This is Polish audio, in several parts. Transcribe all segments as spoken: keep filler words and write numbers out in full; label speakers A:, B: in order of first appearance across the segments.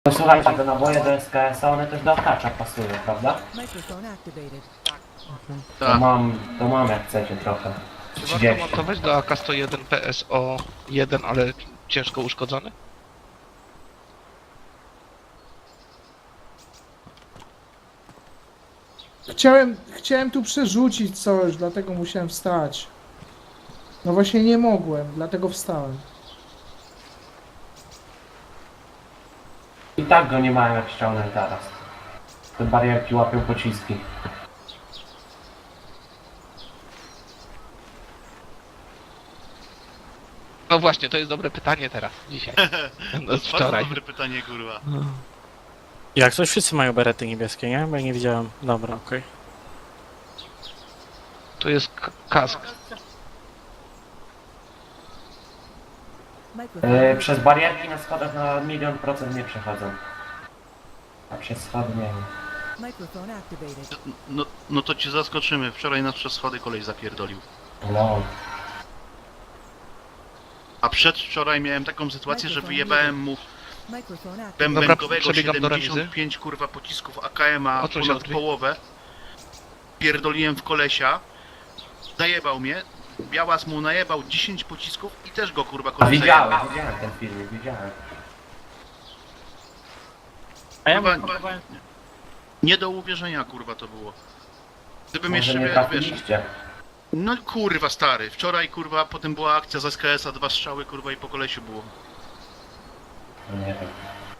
A: No słuchajcie, te naboje do S K S-a, one też do akacza pasują, prawda? To
B: Tak.
A: mam, to mam jak chcecie trochę.
C: Czy warto
A: trzydzieści.
C: montować do A K sto jeden P S O jeden, ale ciężko uszkodzony?
D: Chciałem, chciałem tu przerzucić coś, dlatego musiałem wstać. No właśnie nie mogłem, dlatego wstałem.
A: I tak go nie mają jak ściągnąć teraz. Te barierki łapią pociski.
C: No właśnie, to jest dobre pytanie teraz, dzisiaj. No,
B: Bardzo
C: wczoraj.
B: dobre pytanie, kurwa.
E: Jak coś wszyscy mają berety niebieskie, nie? Bo ja nie widziałem. Dobra, okej.
C: To jest k- kask.
A: Yy, przez barierki na schodach na milion procent nie przechodzą. A przez schody nie wiem.
B: No, no to cię zaskoczymy. Wczoraj nas przez schody kolej zapierdolił.
A: No.
B: A przedwczoraj miałem taką sytuację, że wyjebałem mu
C: Dobra,
B: bębenkowego
C: przebiegam do remizy.
B: siedemdziesiąt pięć kurwa pocisków A K M-a,
C: Odsuń się
B: ponad
C: od drzwi.
B: połowę. Pierdoliłem w kolesia. Zajebał mnie. Białas mu najebał dziesięć pocisków i też go kurwa
A: A
B: koleś
A: widziałem,
B: zajebał.
A: widziałem ten filmik, widziałem.
E: A ja
B: Kurwa,
E: mu próbowałem...
B: Nie do uwierzenia kurwa to było. Gdybym
A: Może
B: jeszcze,
A: nie
B: wie- wiesz,
A: trafiliście.
B: no kurwa stary, wczoraj kurwa, potem była akcja z S K S-a, dwa strzały kurwa i po kolesiu było.
A: No nie wiem.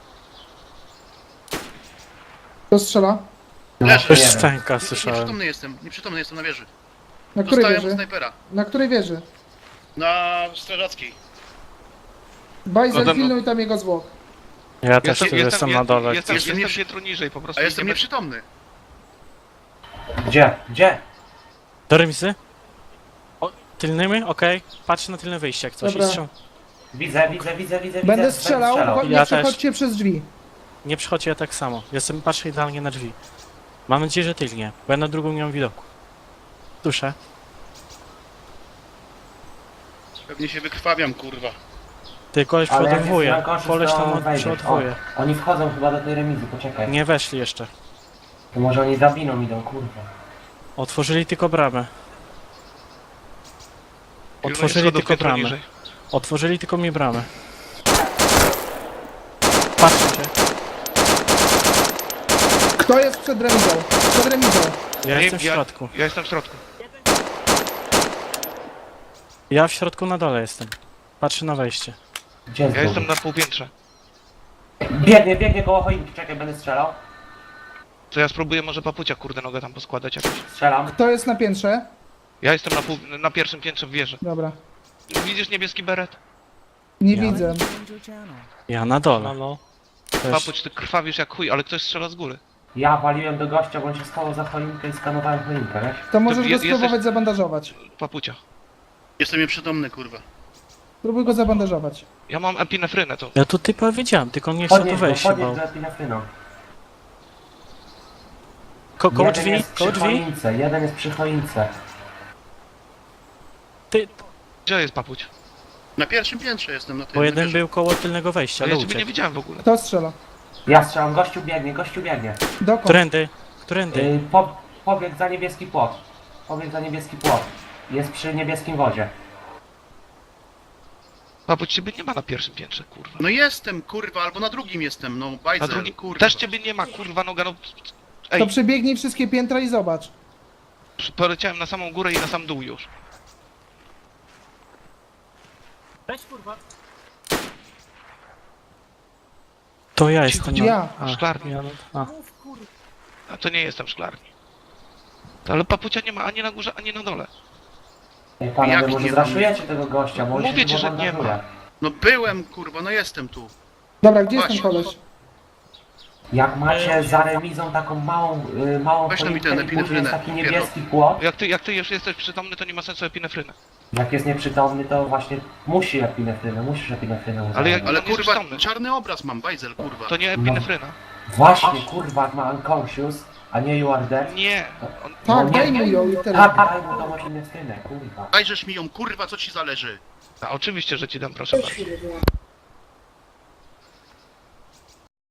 D: Kto strzela?
A: No
B: Leży.
A: właśnie
E: Coś
A: nie
E: z
A: wiem.
E: tanka
B: Nie-
E: słyszałem.
B: Nieprzytomny jestem, nieprzytomny jestem na wieży.
D: Na której
B: Dostałem od
D: wieży?
B: snajpera.
D: Na której wieży?
B: Na strażackiej.
D: Bajzel,
C: No to-
D: pilnuj tam jego zwłok.
E: Ja też tu jestem na dole.
C: Jestem,
B: Jestem
C: jestem
B: nieprzy-
C: piętro niżej, po prostu
B: A jestem
C: idziemy-
B: nieprzytomny.
A: Gdzie? Gdzie?
E: Do remisy? O, tylnymi? Okej. Patrz na tylne wyjście jak coś.
D: Dobra.
E: I strzał.
A: Widzę, widzę, widzę, widzę.
D: Będę
A: widzę,
D: strzelał, bo nie
E: Ja
D: przechodźcie przez drzwi.
E: Nie przychodź ja tak samo. Jestem, patrzę idealnie na drzwi. Mam nadzieję, że tylnie, bo ja na drugą nie mam widoku. Duszę.
B: Pewnie się wykrwawiam kurwa.
E: Ty, koleś
A: Ale jak jest
E: przeładowuje.
A: rękoszy,
E: Koleś
A: to
E: tam
A: wejdziesz.
E: przeładowuje.
A: O, oni wchodzą chyba do tej remizy, poczekaj.
E: Nie weszli jeszcze.
A: To może oni drabiną idą, kurwa.
E: Otworzyli tylko bramę.
C: Pilnuję
E: Otworzyli
C: schodów
E: tylko
C: piętro
E: bramę.
C: niżej.
E: Otworzyli tylko mi bramę. Patrzcie.
D: Kto jest przed remizą? Przed remizą.
E: Ja
C: Nie,
E: jestem w
C: ja-
E: środku.
C: Ja jestem w środku.
E: Ja w środku na dole jestem. Patrzę na wejście.
A: Gdzie jest
C: Ja
A: drugi?
C: jestem na półpiętrze.
A: Biegnie, biegnie koło choinki, czekaj, będę strzelał.
C: To ja spróbuję może papucia kurde nogę tam poskładać jakoś.
A: Strzelam.
D: Kto jest na piętrze?
C: Ja jestem na, pół, na pierwszym piętrze w wieży.
D: Dobra.
C: Widzisz niebieski beret?
D: Nie
A: Ja.
D: widzę.
E: Ja na dole. Też.
C: Papuć, ty krwawisz jak chuj, ale ktoś strzela z góry.
A: Ja waliłem do gościa, bo on się schował za choinkę i skanowałem choinkę, wiesz?
D: To możesz
C: je-
D: go spróbować
C: jesteś-
D: zabandażować.
C: Papucia.
B: Jestem nieprzytomny kurwa.
D: Spróbuj go zabandażować.
C: Ja mam epinefrynę to.
E: Ja tu typa widziałem, tylko on nie chciał tu
A: Podnieś go,
E: wejść się
A: podnieś
E: bał.
A: go epinefryną.
E: Ko koło
A: Jeden
E: drzwi,
A: jest
E: koło
A: przy
E: drzwi.
A: choince, jeden jest przy choince.
E: Ty,
C: Gdzie jest papuć?
B: Na pierwszym piętrze jestem na tym.
E: bo
B: na
E: jeden
B: wieży.
E: był koło tylnego wejścia,
C: Ale
E: ale
C: ja ciebie nie
E: uciekł.
C: widziałem w ogóle.
D: Kto strzela?
A: Ja strzelam, gościu biegnie, gościu biegnie.
D: Dokąd?
E: Którędy? Którędy?
A: Yy, po, pobiegł za niebieski płot. Pobiegł za niebieski płot. Jest przy niebieskim wodzie.
C: Papuć, ciebie nie ma na pierwszym piętrze, kurwa.
B: No jestem kurwa, albo na drugim jestem, no
C: Na
B: bajzel,
C: drugim
B: kurwa.
C: też ciebie nie ma, kurwa noga, no...
D: To
C: Ej,
D: przebiegnij wszystkie piętra i zobacz.
C: poleciałem na samą górę i na sam dół już.
E: To ja
C: Cicho,
E: jestem.
C: cicho.
D: Ja.
E: A,
C: Szklarni.
E: ja, a.
C: A to nie jestem w szklarni. To, ale papucia nie ma ani na górze, ani na dole.
A: Ej, panowie,
B: Jak
A: może
B: nie
A: zraszujecie tego gościa, bo on
C: Mówię
A: się
C: ci, że
A: chyba
C: nie ma.
A: bandażuje.
B: No byłem kurwa, no jestem tu.
D: Dobra, gdzie jest ten
B: Właśnie.
D: koleś?
A: Jak macie za remizą taką małą, y, małą
B: Weź tam mi
A: choinkę
B: ten
A: i później jest
B: epinefrynę,
A: taki niebieski płot,
C: Jak ty, jak ty już jesteś przytomny, to nie ma sensu epinefryny.
A: jak jest nieprzytomny, to właśnie musi epinefrynę, musisz epinefrynę używać.
C: Ale jak-
B: Ale
C: On jest
B: kurwa,
C: przytomny.
B: czarny obraz mam, bajzel kurwa.
C: To nie epinefryna.
A: Właśnie, kurwa, jak ma unconscious, a nie you are dead.
C: Nie. On,
D: Tak,
A: nie,
D: daj
A: nie.
D: mi ją i tyle.
A: Tak, daj mu tą epinefrynę, kurwa.
B: Dajżesz mi ją kurwa, co ci zależy.
C: a oczywiście, że ci dam, proszę bardzo.